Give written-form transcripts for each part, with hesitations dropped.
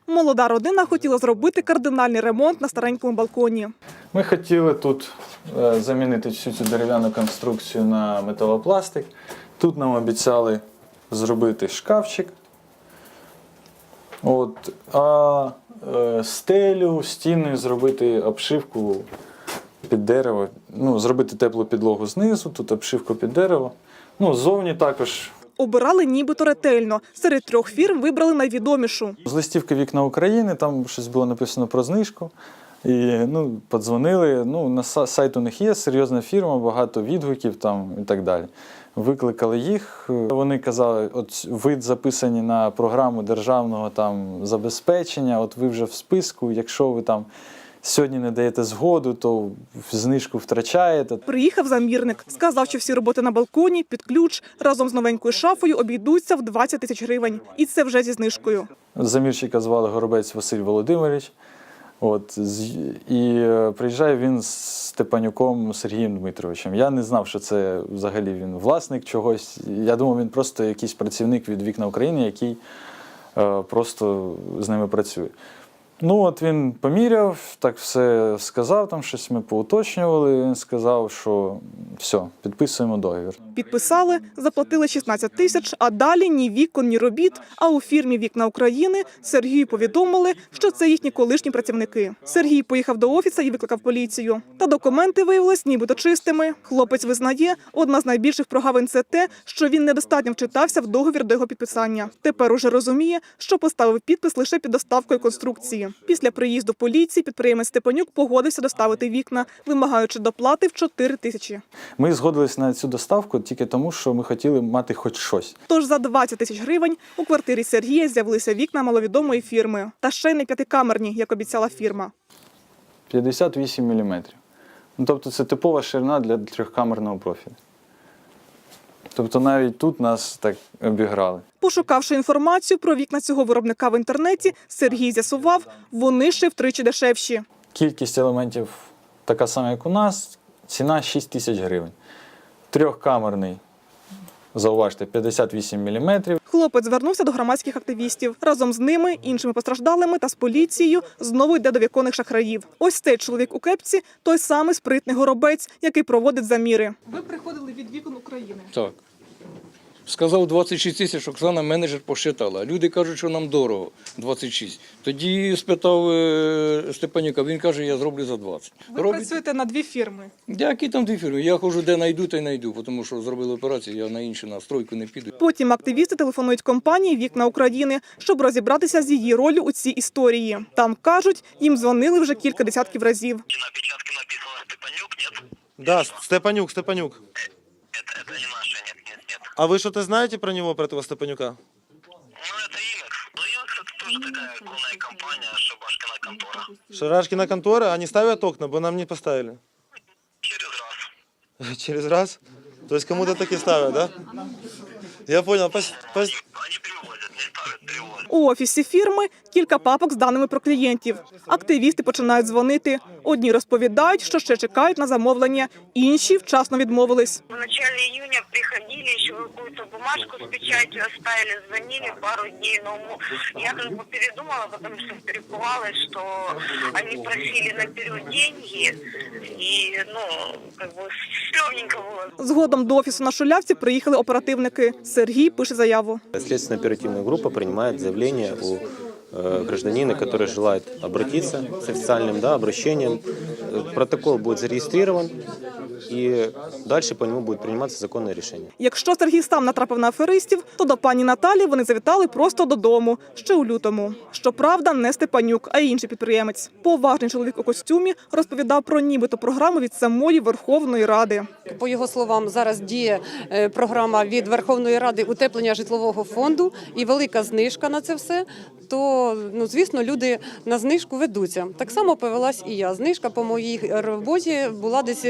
Молода родина хотіла зробити кардинальний ремонт на старенькому балконі. Ми хотіли тут замінити всю цю дерев'яну конструкцію на металопластик. Тут нам обіцяли зробити шкафчик. А стелю, стіни зробити обшивку під дерево. Зробити теплу підлогу знизу, тут обшивку під дерево. Ззовні також. Обирали нібито ретельно. Серед 3 фірм вибрали найвідомішу. З листівки «Вікна України» там щось було написано про знижку. І подзвонили. На сайт у них є серйозна фірма, багато відгуків там і так далі. Викликали їх. Вони казали, ви записані на програму державного забезпечення, ви вже в списку, якщо ви сьогодні не даєте згоду, то знижку втрачаєте. Приїхав замірник. Сказав, що всі роботи на балконі під ключ разом з новенькою шафою обійдуться в 20 тисяч гривень. І це вже зі знижкою. Замірщика звали Горобець Василь Володимирович. І приїжджає він з Степанюком Сергієм Дмитровичем. Я не знав, що це взагалі він власник чогось. Я думав, він просто якийсь працівник від «Вікна України», який просто з ними працює. Він поміряв, так все сказав, щось ми поуточнювали. Він сказав, що все, підписуємо договір. Підписали, заплатили 16 тисяч, а далі ні вікон, ні робіт. А у фірмі «Вікна України» Сергію повідомили, що це їхні колишні працівники. Сергій поїхав до офісу і викликав поліцію. Та документи виявились нібито чистими. Хлопець визнає, одна з найбільших прогавин – це те, що він недостатньо вчитався в договір до його підписання. Тепер уже розуміє, що поставив підпис лише під доставкою конструкції. Після приїзду поліції підприємець Степанюк погодився доставити вікна, вимагаючи доплати в 4 тисячі. Ми згодилися на цю доставку тільки тому, що ми хотіли мати хоч щось. Тож за 20 тисяч гривень у квартирі Сергія з'явилися вікна маловідомої фірми. Та ще й не п'ятикамерні, як обіцяла фірма. 58 мм. Тобто це типова ширина для трьохкамерного профілю. Тобто навіть тут нас так обіграли. Пошукавши інформацію про вікна цього виробника в інтернеті, Сергій з'ясував, вони ще втричі дешевші. Кількість елементів така сама, як у нас, ціна 6 тисяч гривень. Трьохкамерний, зауважте, 58 мм. Хлопець звернувся до громадських активістів. Разом з ними, іншими постраждалими та з поліцією знову йде до віконних шахраїв. Ось цей чоловік у кепці – той самий спритний Горобець, який проводить заміри. Ви приходили від «Вікон України». Так. Сказав 26 тисяч, Оксана, менеджер, посчитала. Люди кажуть, що нам дорого, 26. Тоді спитав Степанюка, він каже, я зроблю за 20. Ви працюєте на 2 фірми. Які там 2 фірми? Я ходжу, де знайду, та й знайду, тому що зробили операцію, я на іншу настройку не піду. Потім активісти телефонують компанії «Вікна України», щоб розібратися з її ролью у цій історії. Там, кажуть, їм дзвонили вже кілька десятків разів. На печатке написано Степанюк, нет? Да, Степанюк. Это не наше, нет. А вы что-то знаете про него, про этого Степанюка? Это Имекс. Имекс это тоже такая крупная компания, Шабашкина контора. Шарашкина контора, они ставят окна, бы нам не поставили. Через раз. Через раз? То есть кому-то таки ставят, да? Я понял. Они перевозят, не ставят, перевозят. У офісі фірми кілька папок з даними про клієнтів. Активісти починають дзвонити. Одні розповідають, що ще чекають на замовлення, інші вчасно відмовились. В начале июня приходили, еще какую-то бумажку с печатью оставили, звонили пару дней, но я передумала, потому что перепугалась, что они просили наперед деньги, и, стрёмненько было. Згодом до офісу на Шулявці приїхали оперативники. Сергій пише заяву. Следственно-оперативная группа принимает заявление у гражданина, который желает обратиться с официальным обращением. Протокол будет зарегистрирован, и дальше по нему будет приниматься законное решение. Якщо Сергій сам натрапив на аферистів, то до пані Наталі вони завітали просто додому, ще у лютому. Щоправда, не Степанюк, а інший підприємець. Поважний чоловік у костюмі розповідав про нібито програму від самої Верховної Ради. По його словам, зараз діє програма від Верховної Ради утеплення житлового фонду і велика знижка на це все. То, звісно, люди на знижку ведуться. Так само повелась і я. Знижка по моїй роботі була десь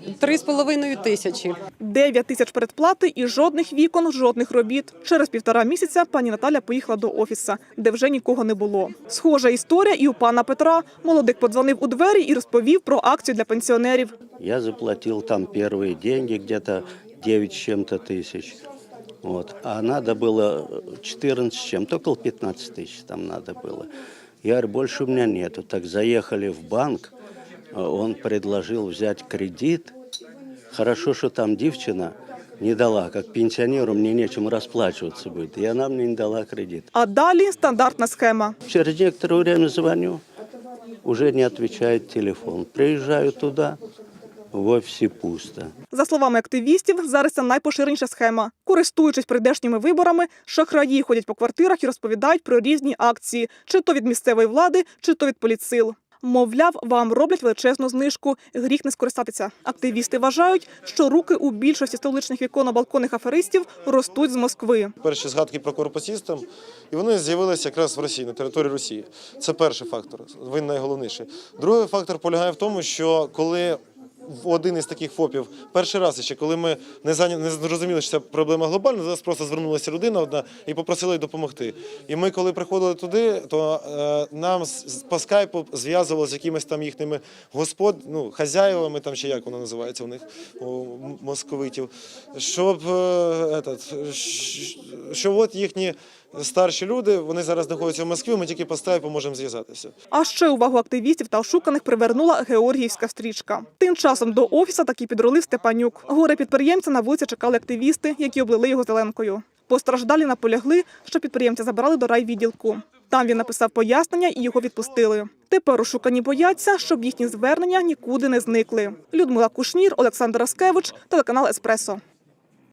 3,5 тисячі. 9 тисяч передплати і жодних вікон, жодних робіт. Через 1,5 місяця пані Наталя поїхала до офісу, де вже нікого не було. Схожа історія і у пана Петра. Молодик подзвонив у двері і розповів про акцію для пенсіонерів. Я заплатил там первые деньги, где-то 9 с чем-то тысяч. А надо было 14 с чем-то, около 15 тысяч там надо было. Я говорю, больше у меня нету. Так заехали в банк, он предложил взять кредит. Хорошо, что там девчина не дала, как пенсионеру мне нечем расплачиваться будет. И она мне не дала кредит. А далі стандартна схема. Через некоторое время звоню, уже не отвечает телефон. Приезжаю туда, в офисе пусто. За словами активістів, зараз це найпоширеніша схема. Користуючись прийдешніми виборами, шахраї ходять по квартирах і розповідають про різні акції, чи то від місцевої влади, чи то від політсил. Мовляв, вам роблять величезну знижку, гріх не скористатися. Активісти вважають, що руки у більшості столичних віконно-балконних аферистів ростуть з Москви. Перші згадки про корпусістам, і вони з'явилися якраз в Росії, на території Росії. Це перший фактор, він найголовніший. Другий фактор полягає в тому, що коли один із таких ФОПів, перший раз ще, коли ми не зрозуміли, що це проблема глобальна, до нас просто звернулася людина одна і попросила їй допомогти. І ми, коли приходили туди, то нам по скайпу зв'язували з якимись там їхніми хазяєвами, там чи як воно називається у них, у московитів, що от їхні старші люди, вони зараз знаходяться в Москві, ми тільки по скайпу можемо зв'язатися. А ще увагу активістів та ошуканих привернула георгіївська стрічка. Тим часом до офісу таки підрулив Степанюк. Горе-підприємця на вулиці чекали активісти, які облили його зеленкою. Постраждалі наполягли, що підприємця забрали до райвідділку. Там він написав пояснення і його відпустили. Тепер ошукані бояться, щоб їхні звернення нікуди не зникли. Людмила Кушнір, Олександр Раскевич, телеканал «Еспресо».